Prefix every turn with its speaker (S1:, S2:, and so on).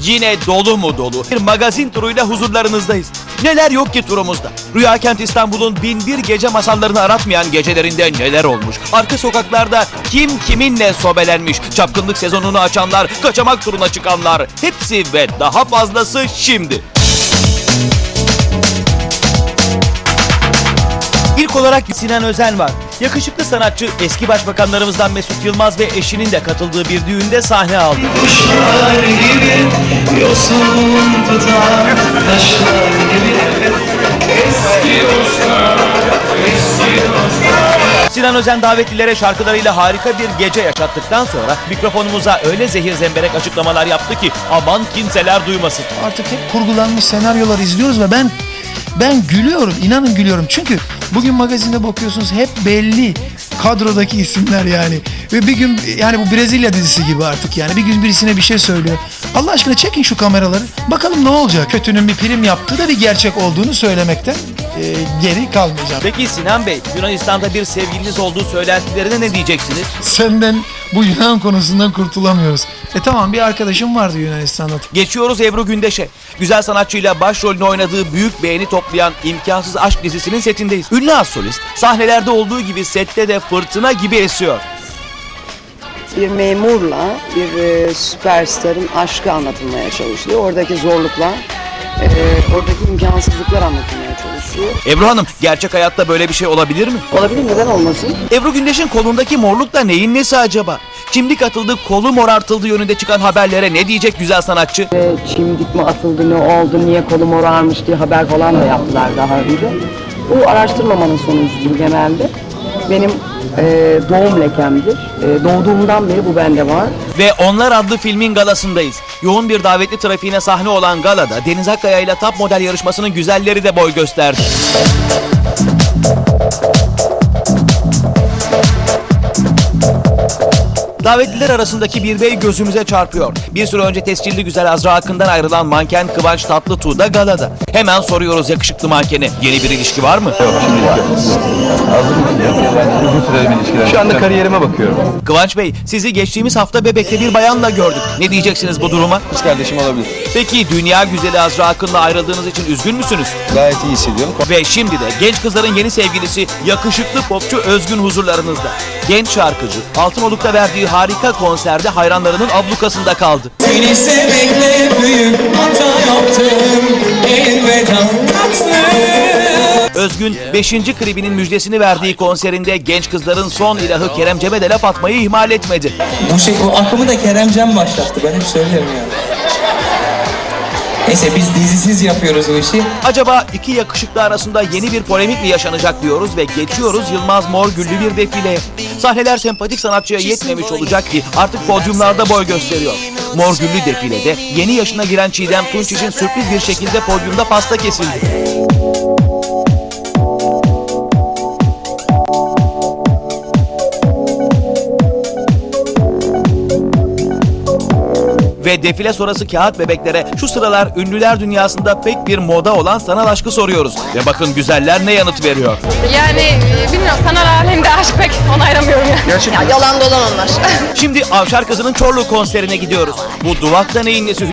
S1: yine dolu mu dolu bir magazin turuyla huzurlarınızdayız. Neler yok ki turumuzda? Rüya Kent İstanbul'un 1001 gece masallarını aratmayan gecelerinde neler olmuş? Arka sokaklarda kim kiminle sobelenmiş? Çapkınlık sezonunu açanlar, kaçamak turuna çıkanlar. Hepsi ve daha fazlası şimdi. İlk olarak Sinan Özen var. Yakışıklı sanatçı eski başbakanlarımızdan Mesut Yılmaz ve eşinin de katıldığı bir düğünde sahne aldı.
S2: Kuşlar gibi yosun tutar, taşlar gibi eski dostlar, eski dostlar.
S1: Sinan Özen davetlilere şarkılarıyla harika bir gece yaşattıktan sonra mikrofonumuza öyle zehir zemberek açıklamalar yaptı ki aman kimseler duymasın.
S3: Artık hep kurgulanmış senaryolar izliyoruz ve ben gülüyorum, inanın gülüyorum. Çünkü bugün magazinde bakıyorsunuz hep belli kadrodaki isimler yani. Ve bir gün yani bu Brezilya dizisi gibi artık yani. Bir gün birisine bir şey söylüyor. Allah aşkına çekin şu kameraları. Bakalım ne olacak? Kötünün bir prim yaptığı da bir gerçek olduğunu söylemekten geri kalmayacağım.
S1: Peki Sinan Bey, Yunanistan'da bir sevgiliniz olduğu söylentilerine ne diyeceksiniz?
S3: Senden bu Yunan konusundan kurtulamıyoruz. Tamam, bir arkadaşım vardı Yunanistan'da.
S1: Geçiyoruz Ebru Gündeş'e. Güzel sanatçıyla başrolünü oynadığı büyük beğeni toplayan İmkansız Aşk dizisinin setindeyiz. Ünlü az solist, sahnelerde olduğu gibi sette de fırtına gibi esiyor.
S4: Bir memurla bir süperstarın aşkı anlatılmaya çalışılıyor. Oradaki zorluklar, oradaki imkansızlıklar anlatılmaya çalışıyor.
S1: Ebru Hanım, gerçek hayatta böyle bir şey olabilir mi?
S4: Olabilir, neden olmasın?
S1: Ebru Gündeş'in kolundaki morluk da neyin nesi acaba? Çimdik atıldı, kolu morartıldı yönünde çıkan haberlere ne diyecek güzel sanatçı?
S4: Çimdik mi atıldı, ne oldu, niye kolu morarmış diye haber falan da yaptılar daha önce. Bu araştırmamanın sonucudur genelde. Benim doğum lekemdir. Doğduğumdan beri bu bende var.
S1: Ve Onlar adlı filmin galasındayız. Yoğun bir davetli trafiğine sahne olan galada Deniz Akkaya ile top model yarışmasının güzelleri de boy gösterdi. Davetliler arasındaki bir bey gözümüze çarpıyor. Bir süre önce tescilli güzel Azra Akın'dan ayrılan manken Kıvanç Tatlıtuğ da galada. Hemen soruyoruz yakışıklı mankene. Yeni bir ilişki var mı?
S5: Yok, şimdilik yok. Uzun süreli bir ilişkiler. Şu anda kariyerime bakıyorum.
S1: Kıvanç Bey, sizi geçtiğimiz hafta Bebek'te bir bayanla gördük. Ne diyeceksiniz bu duruma?
S5: Kız kardeşim olabilir.
S1: Peki dünya güzeli Azra Akın'la ayrıldığınız için üzgün müsünüz?
S5: Gayet iyi hissediyorum.
S1: Ve şimdi de genç kızların yeni sevgilisi yakışıklı popçu Özgün huzurlarınızda. Genç şarkıcı Altınoluk'ta verdiği harika konserde hayranlarının ablukasında kaldı.
S2: Seni sevmekle büyük hata yaptım, elveda tatlım.
S1: Özgün 5. klibinin müjdesini verdiği konserinde genç kızların son ilahı Kerem Cem'e de laf atmayı ihmal etmedi.
S6: Bu akımı da Kerem Cem başlattı. Ben hep söylüyorum ya. Neyse, biz dizisiz yapıyoruz o işi.
S1: Acaba iki yakışıklı arasında yeni bir polemik mi yaşanacak diyoruz ve geçiyoruz Yılmaz Morgüllü bir defileye. Sahneler sempatik sanatçıya yetmemiş olacak ki artık podyumlarda boy gösteriyor. Morgüllü defilede yeni yaşına giren Çiğdem Tunç için sürpriz bir şekilde podyumda pasta kesildi. Ve defile sonrası kağıt bebeklere şu sıralar ünlüler dünyasında pek bir moda olan sanal aşkı soruyoruz. Ve bakın güzeller ne yanıt veriyor.
S7: Yani bilmiyorum, sanal alemde aşk pek onaylamıyorum yani.
S1: Şimdi Avşar Kızı'nın Çorlu konserine gidiyoruz. Bu duvakta neyin nesi